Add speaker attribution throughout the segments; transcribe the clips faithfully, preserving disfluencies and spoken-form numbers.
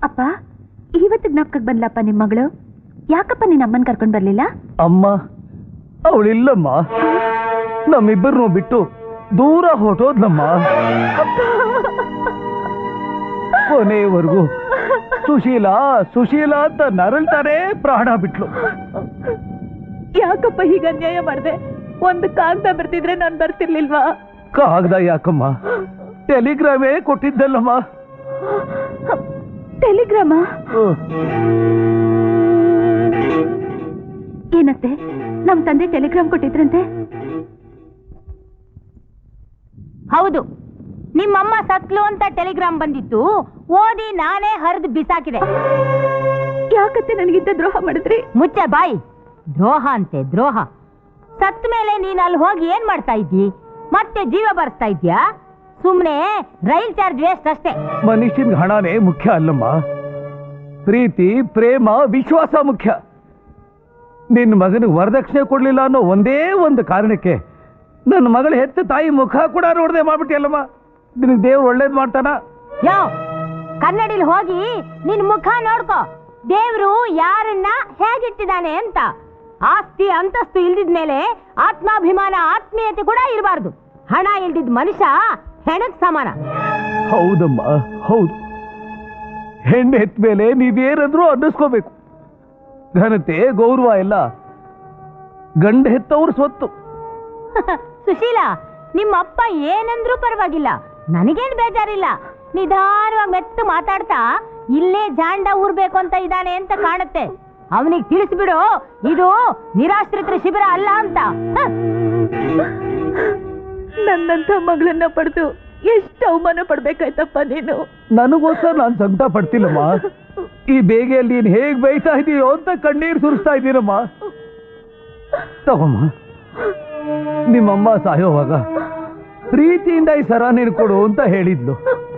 Speaker 1: ಅಪ್ಪ ಇವತ್ತು ಜ್ಞಾಪಕಕ್ಕೆ ಬಂದ್ಲಪ್ಪ ನಿಮ್ಮ ಮಗಳು. ಯಾಕಪ್ಪ ನಿನ್ನ ಅಮ್ಮನ್ ಕರ್ಕೊಂಡ್ ಬರ್ಲಿಲ್ಲ?
Speaker 2: ಅಮ್ಮ ಅವಳಿಲ್ಲಮ್ಮ, ನಮ್ಮಿಬ್ಬರನ್ನು ಬಿಟ್ಟು ದೂರ ಹೊರಟೋದ್ಲಮ್ಮ. ಕೊನೆಯವರೆಗೂ ಸುಶೀಲಾ ಸುಶೀಲಾ ಅಂತ ನರಳ್ತಾನೆ ಪ್ರಾಣ ಬಿಟ್ಲು.
Speaker 1: ಯಾಕಪ್ಪ ಹೀಗ ಅನ್ಯಾಯ ಮಾಡಿದೆ? ಒಂದು ಕಾಗದ ಬರ್ತಿದ್ರೆ ನಾನು ಬರ್ತಿರ್ಲಿಲ್ವಾ?
Speaker 2: ಕಾಗದ ಯಾಕಮ್ಮ, ಟೆಲಿಗ್ರಾಮೇ ಕೊಟ್ಟಿದ್ದಲ್ಲಮ್ಮ.
Speaker 1: ಟೆಲಿಗ್ರಾಮ ಏನತ್ತೆ? ನಮ್ ತಂದೆ ಟೆಲಿಗ್ರಾಮ್ ಕೊಟ್ಟಿದ್ರಂತೆ?
Speaker 3: ಹೌದು, ನಿಮ್ಮಮ್ಮ ಸತ್ಲು ಅಂತ ಟೆಲಿಗ್ರಾಮ್ ಬಂದಿತ್ತು. ಓದಿ ನಾನೇ ಹರಿದು ಬಿಸಾಕಿದೆ.
Speaker 1: ಯಾಕತ್ತೆ ನನಗಿಂತ ದ್ರೋಹ ಮಾಡಿದ್ರಿ?
Speaker 3: ಮುಚ್ಚೆ ಬಾಯಿ. ದ್ರೋಹ ಅಂತೆ ದ್ರೋಹ. ಸತ್ ಮೇಲೆ ನೀನ್ ಅಲ್ಲಿ ಹೋಗಿ ಏನ್ ಮಾಡ್ತಾ ಇದ್ದಿ? ಮತ್ತೆ ಜೀವ ಬರ್ಸ್ತಾ ಇದ್ಯಾ? ಸುಮ್ನೆ ರೈಲ್ ಚಾರ್ಜ್ ವೇಸ್ಟ್ ಅಷ್ಟೇ.
Speaker 2: ಮನುಷ್ಯನ್ ಹಣನೇ ಮುಖ್ಯ ಅಲ್ಲಮ್ಮ, ಪ್ರೀತಿ ಪ್ರೇಮ ವಿಶ್ವಾಸ ಮುಖ್ಯ. ನಿನ್ನ ಮಗನಿಗೆ ವರದಕ್ಷಿಣೆ ಕೊಡ್ಲಿಲ್ಲ ಅನ್ನೋ ಒಂದೇ ಒಂದು ಕಾರಣಕ್ಕೆ ನನ್ನ ಮಗಳ ಹೆತ್ತ ತಾಯಿ ಮುಖ ಕೂಡ ನೋಡದೆ ಮಾಡ್ಬಿಟ್ಟಿಯಲ್ಲಮ್ಮ. ನಿನಗೆ ದೇವ್ರು ಒಳ್ಳೇದ್ ಮಾಡ್ತಾನ?
Speaker 3: ಯೋ, ಕನ್ನಡಿಲಿ ಹೋಗಿ ನಿನ್ ಮುಖ ನೋಡ್ಕೋ. ದೇವ್ರು ಯಾರನ್ನ ಹೇಗಿಟ್ಟಿದ್ದಾನೆ ಅಂತ. ಆಸ್ತಿ ಅಂತಸ್ತು ಇಲ್ದಿದ ಮೇಲೆ ಆತ್ಮಾಭಿಮಾನ ಆತ್ಮೀಯತೆ ಕೂಡ ಇರಬಾರ್ದು. ಹಣ ಇಲ್ದಿದ್ ಮನುಷ್ಯ ಹೆಣಕ್ ಸಮಾನ.
Speaker 2: ಹೌದಮ್ಮ, ಹೌದು. ಹೆಣ್ಣು ಹೆತ್ತ ಮೇಲೆ ನೀವೇನಾದ್ರೂ ಅನ್ನಿಸ್ಕೋಬೇಕು. ಘನತೆ ಗೌರವ ಎಲ್ಲ ಗಂಡ ಹೆತ್ತವ್ರ ಸ್ವತ್ತು.
Speaker 3: ಸುಶೀಲಾ, ನಿಮ್ಮ ಅಪ್ಪ ಏನಂದ್ರೂ ಪರವಾಗಿಲ್ಲ, ನನಗೇನ್ ಬೇಜಾರಿಲ್ಲ. ನಿಧಾನವಾಗಿ ಮೆತ್ತು ಮಾತಾಡ್ತಾ ಇಲ್ಲೇ ಜಾಂಡ ಊರ್ಬೇಕು ಅಂತ ಇದ್ದಾನೆ ಅಂತ ಕಾಣುತ್ತೆ. ಅವನಿಗೆ ತಿಳಿಸ್ಬಿಡು, ಇದು ನಿರಾಶ್ರಿತರ ಶಿಬಿರ ಅಲ್ಲ ಅಂತ.
Speaker 1: ನನ್ನಂತ ಮಗಳನ್ನ ಪಡೆದು ಎಷ್ಟು ಅವಮಾನ ಪಡ್ಬೇಕಾಯ್ತಪ್ಪ ನೀನು.
Speaker 2: ನನಗೋಸ್ಕರ ನಾನು ಸಂಕಟ ಪಡ್ತಿಲ್ಲಮ್ಮ. ಈ ಬೇಗೆಯಲ್ಲಿ ನೀನು ಹೇಗ್ ಬೈತಾ ಇದೀಯೋ ಅಂತ ಕಣ್ಣೀರು ಸುರಿಸ್ತಾ ಇದ್ದೀನಮ್ಮ. ತಗೊಮ್ಮ, ನಿಮ್ಮಮ್ಮ ಸಾಯೋವಾಗ ಪ್ರೀತಿಯಿಂದ ಈ ಸರ ನೀನು ಕೊಡು ಅಂತ ಹೇಳಿದ್ಲು.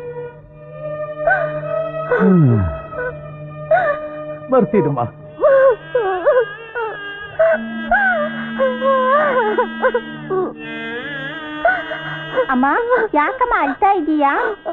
Speaker 2: ಬರ್ತೀನಮ್ಮ.
Speaker 3: ಅಮ್ಮ, ಯಾಕಮ್ಮ ಅಳ್ತಾ ಇದೀಯಾ?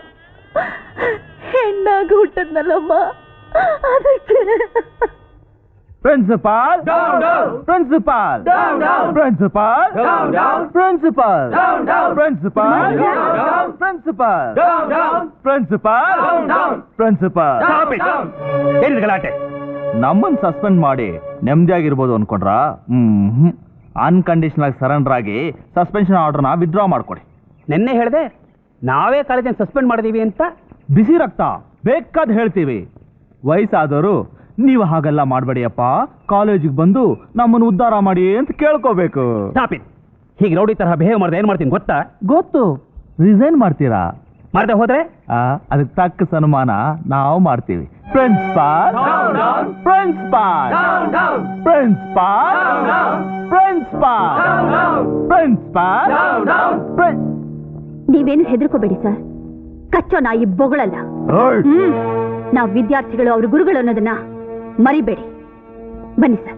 Speaker 1: ಹೆಣ್ಣಾಗಿ ಹುಟ್ಟದ್ನಲ್ಲಮ್ಮ, ಅದಕ್ಕೆ.
Speaker 2: Principal principal principal principal principal principal principal principal ಏನಿದೆ ಗಲಾಟೆ? ನಮ್ಮನ್ನು ಸಸ್ಪೆಂಡ್ ಮಾಡಿ ನೆಮ್ಮದಿಯಾಗಿರ್ಬೋದು ಅನ್ಕೊಂಡ್ರಾ? ಹ್ಮ್ ಅನ್ಕಂಡೀಷನಲ್ ಸರೆಂಡರ್ ಆಗಿ ಸಸ್ಪೆನ್ಷನ್ ಆರ್ಡರ್ನ ವಿತ್ಡ್ರಾ ಮಾಡ್ಕೊಡಿ.
Speaker 4: ನಿನ್ನೆ ಹೇಳಿದೆ ನಾವೇ ಕಾಲೇಜನ್ನು ಸಸ್ಪೆಂಡ್ ಮಾಡಿದೀವಿ ಅಂತ.
Speaker 2: ಬಿಸಿ ರಕ್ತ ಬೇಕಾದ ಹೇಳ್ತೀವಿ. ವಯಸ್ಸಾದವರು ನೀವು ಹಾಗೆಲ್ಲ ಮಾಡಬೇಡಿಯಪ್ಪ, ಕಾಲೇಜಿಗೆ ಬಂದು ನಮ್ಮನ್ನು ಉದ್ಧಾರ ಮಾಡಿ ಅಂತ ಕೇಳ್ಕೋಬೇಕು.
Speaker 4: ಹೀಗೆ ರೌಡಿ ತರಹ ಬಿಹೇವ್ ಮಾಡಿದ್ರೆ ಏನ್ ಮಾಡ್ತೀನಿ ಗೊತ್ತಾ?
Speaker 2: ಗೊತ್ತು. ರಿಸೈನ್ ಮಾಡ್ತೀರಾ?
Speaker 4: ಮಾಡದೆ ಹೋದ್ರೆ
Speaker 2: ಅದಕ್ಕೆ ತಕ್ಕ ಸನ್ಮಾನ ನಾವು ಮಾಡ್ತೀವಿ. Principal principal principal principal principal.
Speaker 1: ನೀವೇನು ಹೆದರ್ಕೋಬೇಡಿ ಸರ್, ಕಚ್ಚೋ ನಾಯಿ ಬೊಗಳಲ್ಲ. ನಾವು ವಿದ್ಯಾರ್ಥಿಗಳು ಅವ್ರ ಗುರುಗಳು ಅನ್ನೋದನ್ನ ಮರಿಬೇಡಿ. ಬನ್ನಿ ಸರ್.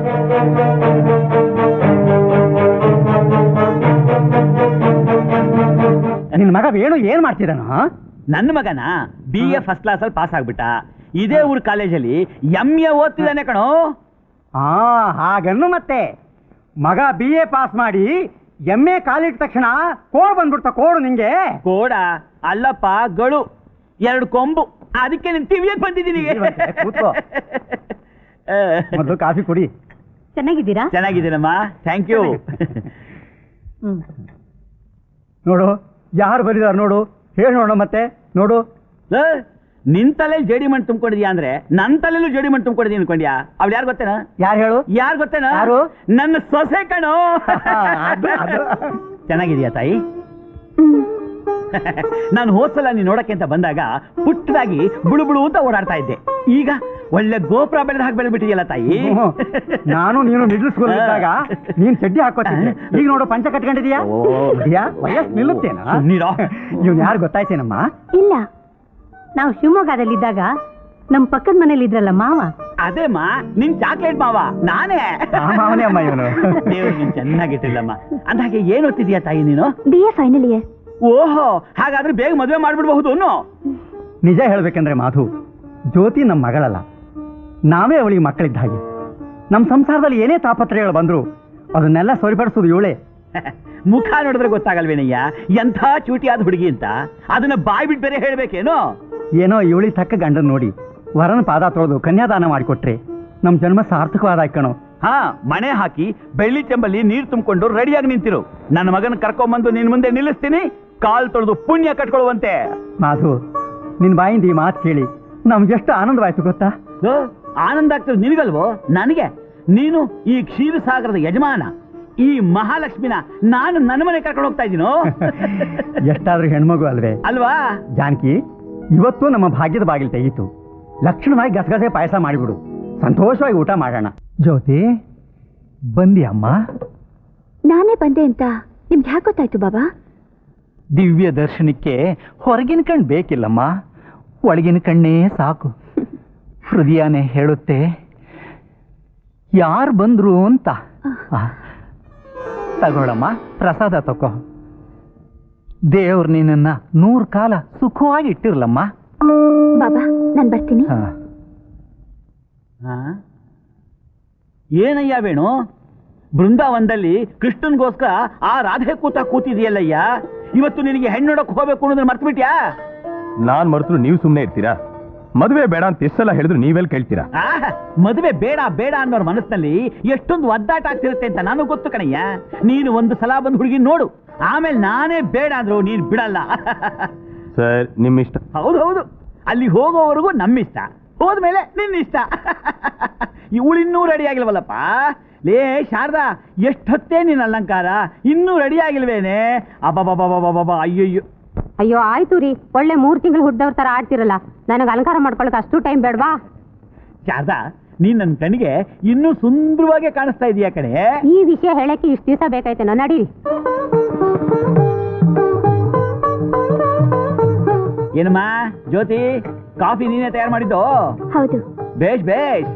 Speaker 4: ನಿನ್ನ ಮಗ ವೇಣು ಏನ್ ಮಾಡ್ತಿದ್ದಾನ?
Speaker 5: ನನ್ನ ಮಗನ ಬಿ ಎ ಫಸ್ಟ್ ಕ್ಲಾಸ್ ಅಲ್ಲಿ ಪಾಸ್ ಆಗ್ಬಿಟ್ಟ. ಇದೇ ಊರ್ ಕಾಲೇಜಲ್ಲಿ ಎಂ ಎ ಓದ್ತಿದ್ದಾನೆ ಕಣೋ.
Speaker 4: ಹಾ, ಹಾಗನ್ನು ಮತ್ತೆ ಮಗ ಬಿ ಎ ಪಾಸ್ ಮಾಡಿ ಎಂ ಎ ಕಾಲಿಟ್ಟ ತಕ್ಷಣ ಕೋಡ್ ಬಂದ್ಬಿಡ್ತ. ಕೋಡು ನಿಂಗೆ?
Speaker 5: ಕೋಡ ಅಲ್ಲಪ್ಪ, ಗಳು, ಎರಡು ಕೊಂಬು. ಅದಕ್ಕೆ ನಿನ್ ಟಿವಿಯಲ್ಲಿ ಬಂದಿದ್ದೀನಿ.
Speaker 4: ಮೊದಲು ಕಾಫಿ ಕುಡಿ.
Speaker 1: ಚೆನ್ನಾಗಿದ್ದೀರಾ?
Speaker 5: ಚೆನ್ನಾಗಿದ್ದೀನಮ್ಮ, ಥ್ಯಾಂಕ್ ಯು.
Speaker 4: ನೋಡು ಯಾರು ಬರೀದಾರ ನೋಡು, ಹೇಳಿ ನೋಡ ಮತ್ತೆ ನೋಡು.
Speaker 5: ನಿನ್ ತಲೆಯಲ್ಲಿ ಜೇಡಿ ಮಣ್ಣು ತುಂಬಿಕೊಂಡಿದ್ಯಾ ಅಂದ್ರೆ ನನ್ನ ತಲೆಯಲ್ಲೂ ಜೇಡಿ ಮಣ್ಣು ತುಂಬಿಕೊಂಡಿದ್ಯಾ ಅನ್ಕೊಂಡ್ಯಾ? ಅವ್ಳು ಯಾರು ಗೊತ್ತೇನಾ?
Speaker 4: ಯಾರು ಹೇಳು?
Speaker 5: ಯಾರು ಗೊತ್ತೇನಾ?
Speaker 4: ಯಾರು?
Speaker 5: ನನ್ನ ಸೊಸೆ ಕಣೋ. ಚೆನ್ನಾಗಿದ್ಯಾ ತಾಯಿ? ನಾನು ಹೋದ್ಸಲ ನೀನ್ ನೋಡಕ್ಕೆ ಅಂತ ಬಂದಾಗ ಪುಟ್ಟದಾಗಿ ಬುಳು ಬುಳು ಅಂತ ಓಡಾಡ್ತಾ ಇದ್ದೆ. ಈಗ ಒಳ್ಳೆ ಗೋಪುರ ಬೆಳೆದ ಹಾಕಿ ಬೆಳೆದ್ಬಿಟ್ಟಿದೆಯಲ್ಲ ತಾಯಿ.
Speaker 4: ನಾನು ನೀನು ಮಿಡ್ಲ್ ಸ್ಕೂಲ್ ಇದ್ದಾಗ ನೀನ್ ಚಡ್ಡಿ ಹಾಕೋತಿದ್ದೆ, ಈಗ ನೋಡು ಪಂಚ ಕಟ್ಕೊಂಡಿದೀಯಾ. ವಯಸ್ಸು ನಿಲ್ಲುತ್ತೇನಾ? ಇವ್ನು ಯಾರು ಗೊತ್ತಾಯ್ತೇನಮ್ಮ?
Speaker 3: ಇಲ್ಲ, ನಾವು ಶಿವಮೊಗ್ಗದಲ್ಲಿದ್ದಾಗ ನಮ್ ಪಕ್ಕದ ಮನೇಲಿ ಇದ್ರಲ್ಲ ಮಾವ.
Speaker 5: ಅದೇಮ್ಮ ನಿನ್ ಚಾಕ್ಲೇಟ್ ಮಾವ ನಾನೇ.
Speaker 4: ಮಾವನೇ ಅಮ್ಮ ಇವನು.
Speaker 5: ನೀವು ನೀನ್ ಚೆನ್ನಾಗಿಟ್ಟಿಲ್ಲಮ್ಮ. ಅಂದಾಗೆ ಏನ್ ಓದ್ತಿದ್ಯಾ ತಾಯಿ ನೀನು?
Speaker 1: B A final year.
Speaker 5: ಓಹೋ, ಹಾಗಾದ್ರೆ ಬೇಗ ಮದುವೆ ಮಾಡ್ಬಿಡ್ಬಹುದು.
Speaker 4: ನಿಜ ಹೇಳ್ಬೇಕಂದ್ರೆ ಮಾಧು, ಜ್ಯೋತಿ ನಮ್ಮ ಮಗಳಲ್ಲ, ನಾವೇ ಅವಳಿಗೆ ಮಕ್ಕಳಿದ್ದ ಹಾಗೆ. ನಮ್ಮ ಸಂಸಾರದಲ್ಲಿ ಏನೇ ತಾಪತ್ರಯಗಳು ಬಂದ್ರು ಅದನ್ನೆಲ್ಲ ಸರಿಪಡಿಸೋದು ಇವಳೇ.
Speaker 5: ಮುಖ ನೋಡಿದ್ರೆ ಗೊತ್ತಾಗಲ್ವೇನಯ್ಯ ಎಂಥ ಚೂಟಿಯಾದ ಹುಡುಗಿ ಅಂತ. ಅದನ್ನ ಬಾಯ್ ಬಿಟ್ಟು ಬೇರೆ ಹೇಳ್ಬೇಕೇನೋ.
Speaker 4: ಏನೋ ಇವಳಿಗೆ ತಕ್ಕ ಗಂಡನ್ ನೋಡಿ ವರನ ಪಾದ ತೊಳೆದು ಕನ್ಯಾದಾನ ಮಾಡಿಕೊಟ್ರೆ ನಮ್ಮ ಜನ್ಮ ಸಾರ್ಥಕವಾದ ಕಣೋ.
Speaker 5: ಹಾ, ಮಣೆ ಹಾಕಿ ಬೆಳ್ಳಿ ಚೆಂಬಲ್ಲಿ ನೀರು ತುಂಬಿಕೊಂಡು ರೆಡಿಯಾಗಿ ನಿಂತಿರು. ನನ್ನ ಮಗನ ಕರ್ಕೊಂಬಂದು ನಿನ್ ಮುಂದೆ ನಿಲ್ಲಿಸ್ತೀನಿ. ಕಾಲ್ ತೊಳೆದು ಪುಣ್ಯ ಕಟ್ಕೊಳ್ಳುವಂತೆ.
Speaker 4: ಮಾಧು, ನಿನ್ ಬಾಯಿಂದ ಈ ಮಾತು ಕೇಳಿ ನಮ್ಗೆಷ್ಟು ಆನಂದವಾಯ್ತು ಗೊತ್ತಾ?
Speaker 5: ಲೋ, ಆನಂದ ಆಗ್ತಿರೋದು ನಿನಗಲ್ವೋ, ನನಗೆ. ನೀನು ಈ ಕ್ಷೀರಸಾಗರದ ಯಜಮಾನ, ಈ ಮಹಾಲಕ್ಷ್ಮಿನ ನಾನು ನನ್ನ ಮನೆ ಕರ್ಕೊಂಡು ಹೋಗ್ತಾ ಇದ್ದೀನೋ.
Speaker 4: ಎಷ್ಟಾದ್ರೂ ಹೆಣ್ಮಗು ಅಲ್ವೇ
Speaker 5: ಅಲ್ವಾ
Speaker 4: ಜಾನಕಿ? ಇವತ್ತು ನಮ್ಮ ಭಾಗ್ಯದ ಬಾಗಿಲು ತೆಗೀತು. ಲಕ್ಷಣವಾಗಿ ಗಸಗಸೆ ಪಾಯಸ ಮಾಡಿಬಿಡು, ಸಂತೋಷವಾಗಿ ಊಟ ಮಾಡೋಣ. ಜ್ಯೋತಿ, ಬಂದಿ ಅಮ್ಮ?
Speaker 1: ನಾನೇ ಬಂದೆ ಅಂತ ನಿಮ್ಗೆ ಯಾಕೆ ಗೊತ್ತಾಯ್ತು ಬಾಬಾ?
Speaker 4: ದಿವ್ಯ ದರ್ಶನಕ್ಕೆ ಹೊರಗಿನ ಕಣ್ಣು ಬೇಕಿಲ್ಲಮ್ಮ, ಒಳಗಿನ ಕಣ್ಣೇ ಸಾಕು. ಹೃದಯನೇ ಹೇಳುತ್ತೆ ಯಾರು ಬಂದ್ರು ಅಂತ. ತಗೊಳಮ್ಮ, ಪ್ರಸಾದ ತಗೋ. ದೇವ್ರು ನಿನ್ನ ನೂರು ಕಾಲ ಸುಖವಾಗಿ ಇಟ್ಟಿರ್ಲಮ್ಮ.
Speaker 1: ಬಾಬಾ, ನಾನು ಬರ್ತೀನಿ.
Speaker 5: ಏನಯ್ಯ ವೇಣು, ಬೃಂದಾವನದಲ್ಲಿ ಕೃಷ್ಣನ್ಗೋಸ್ಕರ ಆ ರಾಧೆ ಕೂತ ಕೂತಿದೆಯಲ್ಲಯ್ಯ. ಇವತ್ತು ನಿನಗೆ ಹೆಣ್ಣು ನೋಡಕ್ ಹೋಗ್ಬೇಕು ಅನ್ನೋದನ್ನ ಮರ್ತು ಬಿಟ್ಯಾ?
Speaker 2: ನಾನ್ ಮರೆತರು ನೀವು ಸುಮ್ಮನೆ ಇರ್ತೀರಾ? ಮದುವೆ ಬೇಡ ಅಂತ ಎಷ್ಟೆಲ್ಲ ಹೇಳಿದ್ರು ನೀವೆಲ್ಲಿ ಕೇಳ್ತೀರಾ?
Speaker 5: ಮದುವೆ ಬೇಡ ಬೇಡ ಅನ್ನೋರ್ ಮನಸ್ಸಿನಲ್ಲಿ ಎಷ್ಟೊಂದು ಒದ್ದಾಟ ಆಗ್ತಿರುತ್ತೆ ಅಂತ ನನಗೆ ಗೊತ್ತು ಕಣಯ್ಯ. ನೀನು ಒಂದು ಸಲ ಬಂದು ಹುಡುಗಿ ನೋಡು, ಆಮೇಲೆ ನಾನೇ ಬೇಡ ಅಂದ್ರು ನೀನು ಬಿಡಲ್ಲ.
Speaker 2: ಸರ್, ನಿಮ್ಮ ಇಷ್ಟ.
Speaker 5: ಹೌದು ಹೌದು, ಅಲ್ಲಿ ಹೋಗೋವರೆಗೂ ನಮ್ಮಿಷ್ಟ, ಹೋದ್ಮೇಲೆ ನಿನ್ನಿಷ್ಟ. ಇವಳಿನ್ನೂ ರೆಡಿ ಆಗಿಲ್ವಲ್ಲಪ್ಪ. ಲೇ ಶಾರದಾ, ಎಷ್ಟೊತ್ತೇ ನಿನ್ನ ಅಲಂಕಾರ, ಇನ್ನೂ ರೆಡಿ ಆಗಿಲ್ವೇನೆ? ಅಬ್ಬಬ್ಬಬ್ಬಬ್ಬಬ್ಬ, ಅಯ್ಯಯ್ಯೋ.
Speaker 3: ಅಯ್ಯೋ ಆಯ್ತು ರೀ, ಒಳ್ಳೆ ಮೂರ್ ತಿಂಗಳು ಹುಡ್ದವ್ರ ತರ ಆಡ್ತಿರಲ್ಲ, ನನಗೆ ಅಲಂಕಾರ ಮಾಡ್ಕೊಳಕ್ ಅಷ್ಟು ಟೈಮ್ ಬೇಡವಾ?
Speaker 5: ಶಾರದಾ, ನೀನ್ ನನ್ನ ಕಣ್ಣಿಗೆ ಇನ್ನೂ ಸುಂದರವಾಗಿ ಕಾಣಿಸ್ತಾ ಇದೀಯ ಕಣೆ.
Speaker 3: ಈ ವಿಷಯ ಹೇಳಕ್ಕೆ ಇಷ್ಟು ದಿವಸ ಬೇಕಾಯ್ತೇನೋ, ನಡೀರಿ.
Speaker 5: ಏನಮ್ಮ ಜ್ಯೋತಿ, ಕಾಫಿ ನೀನೇ ತಯಾರು ಮಾಡಿದ್ದು?
Speaker 1: ಹೌದು.
Speaker 5: ಬೇಷ್ ಬೇಷ್.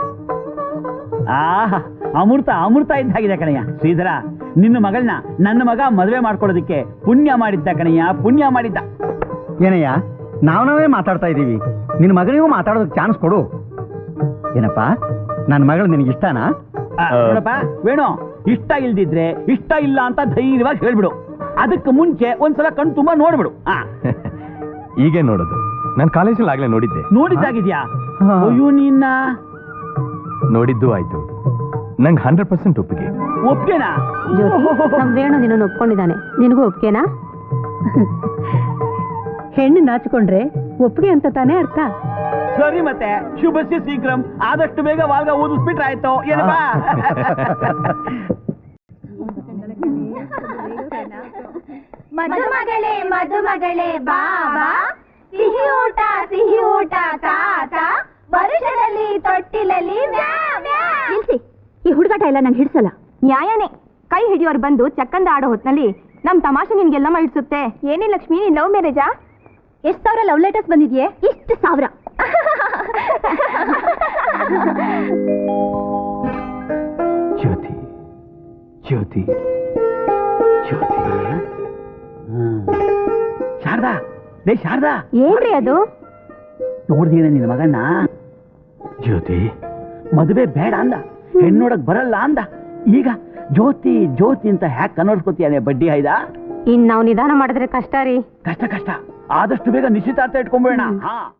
Speaker 5: ಆಹಾ, ಅಮೃತ ಅಮೃತ ಇದ್ದಾಗಿದೆ ಕಣಯ್ಯ. ಶ್ರೀಧರ, ನಿನ್ನ ಮಗಳನ್ನ ನನ್ನ ಮಗ ಮದುವೆ ಮಾಡ್ಕೊಳ್ಳೋದಕ್ಕೆ ಪುಣ್ಯ ಮಾಡಿದ್ದ ಕಣಯ್ಯ, ಪುಣ್ಯ ಮಾಡಿದ್ದ.
Speaker 4: ಏನಯ್ಯ, ನಾವ್ ನಾವೇ ಮಾತಾಡ್ತಾ ಇದ್ದೀವಿ, ನಿನ್ನ ಮಗಳಿಗೂ ಮಾತಾಡೋದಕ್ಕೆ ಚಾನ್ಸ್ ಕೊಡು. ಏನಪ್ಪ, ನನ್ನ ಮಗಳು ನಿನಗೆ ಇಷ್ಟನಾ?
Speaker 5: ನೋಡಪ್ಪ ವೇಣು, ಇಷ್ಟ ಇಲ್ದಿದ್ರೆ ಇಷ್ಟ ಇಲ್ಲ ಅಂತ ಧೈರ್ಯವಾಗಿ ಹೇಳ್ಬಿಡು. ಅದಕ್ಕೆ ಮುಂಚೆ ಒಂದ್ಸಲ ಕಣ್ ತುಂಬಾ ನೋಡ್ಬಿಡು.
Speaker 2: ಹೀಗೆ ನೋಡೋದು? ನಾನು ಕಾಲೇಜಲ್ಲಿ ಆಗ್ಲೇ ನೋಡಿದ್ದೆ.
Speaker 5: ನೋಡಿದ್ದಾಗಿದ್ಯಾ? ಅಯ್ಯೋ, ನಿನ್ನ
Speaker 2: ನೋಡಿದ್ದು ಆಯ್ತು. ನಂಗೆ ಹಂಡ್ರೆಡ್ ಪರ್ಸೆಂಟ್ ಒಪ್ಪಿಗೆ.
Speaker 5: ಒಪ್ಗೆನಾ?
Speaker 3: ನಮ್ ವೇಣು ನಿನ್ನನ್ನು ಒಪ್ಕೊಂಡಿದ್ದಾನೆ, ನಿನಗೂ ಒಪ್ಗೆನಾ?
Speaker 1: ಹೆಣ್ಣು ನಾಚಿಕೊಂಡ್ರೆ ಒಪ್ಪಿಗೆ ಅಂತ ತಾನೇ ಅರ್ಥ.
Speaker 5: ಸರಿ, ಮತ್ತೆ ಶುಭಸ್ಯ ಶೀಘ್ರಂ. ಆದಷ್ಟು ಬೇಗ ವಾಲ್ಗ ಓದಿಸ್ಬಿಟ್ರೆ ಆಯ್ತು. ಏನಪ್ಪ?
Speaker 1: ಮಧುಮಗಳೇ ಮಧುಮಗಳೇ ಬಾಬಾ, ಸಿಹಿ ಊಟ ಸಿಹಿ ಊಟ ತಾತ, ವರುಷದಲ್ಲಿ ತೊಟ್ಟಿಲಲ್ಲಿ ನಿಲ್ಸಿ. ಈ ಹುಡುಗಾಟ ಎಲ್ಲ ನಂಗೆ ಹಿಡ್ಸಲ್ಲ.
Speaker 3: ನ್ಯಾಯನೇ. ಕೈ ಹಿಡಿಯೋರು ಬಂದು ಚಕ್ಕಂದ ಆಡೋ ಹೊತ್ನಲ್ಲಿ ನಮ್ ತಮಾಷೆ ನಿನ್ಗೆಲ್ಲಮ್ಮ ಇಡ್ಸುತ್ತೆ. ಏನೇ ಲಕ್ಷ್ಮಿ, ನೀನ್ ಲವ್ ಮ್ಯಾರೇಜಾ?
Speaker 1: ಎಷ್ಟು ಸಾವಿರ ಲವ್ ಲೆಟರ್ಸ್ ಬಂದಿದ್ಯೆ? ಇಷ್ಟು ಸಾವಿರ.
Speaker 2: ಜ್ಯೋತಿ ಜ್ಯೋತಿ ಜ್ಯೋತಿ.
Speaker 5: ಶಾರದಾ, ಲೇ ಶಾರದಾ,
Speaker 3: ಏನ್ರಿ ಅದು?
Speaker 5: ನೋಡ್ದೇನ ನಿನ್ನ ಮಗನ್ನ?
Speaker 2: ಜ್ಯೋತಿ,
Speaker 5: ಮದುವೆ ಬೇಡ ಅಂದ, ಹೆಣ್ಣೋಡಕ್ ಬರಲ್ಲ ಅಂದ. ಈಗ ಜ್ಯೋತಿ ಜ್ಯೋತಿ ಅಂತ ಹ್ಯಾಕ್ ಕನ್ನೋಡ್ಸ್ಕೊತೀಯಾನೆ ಬಡ್ಡಿ ಆಯ್ದ?
Speaker 3: ಇನ್ ನಾವು ನಿಧಾನ ಮಾಡಿದ್ರೆ ಕಷ್ಟ ರೀ.
Speaker 5: ಕಷ್ಟ ಕಷ್ಟ. ಆದಷ್ಟು ಬೇಗ ನಿಶ್ಚಿತಾರ್ಥ ಇಟ್ಕೊಂಡ್ಬೇಡ. ಹಾ.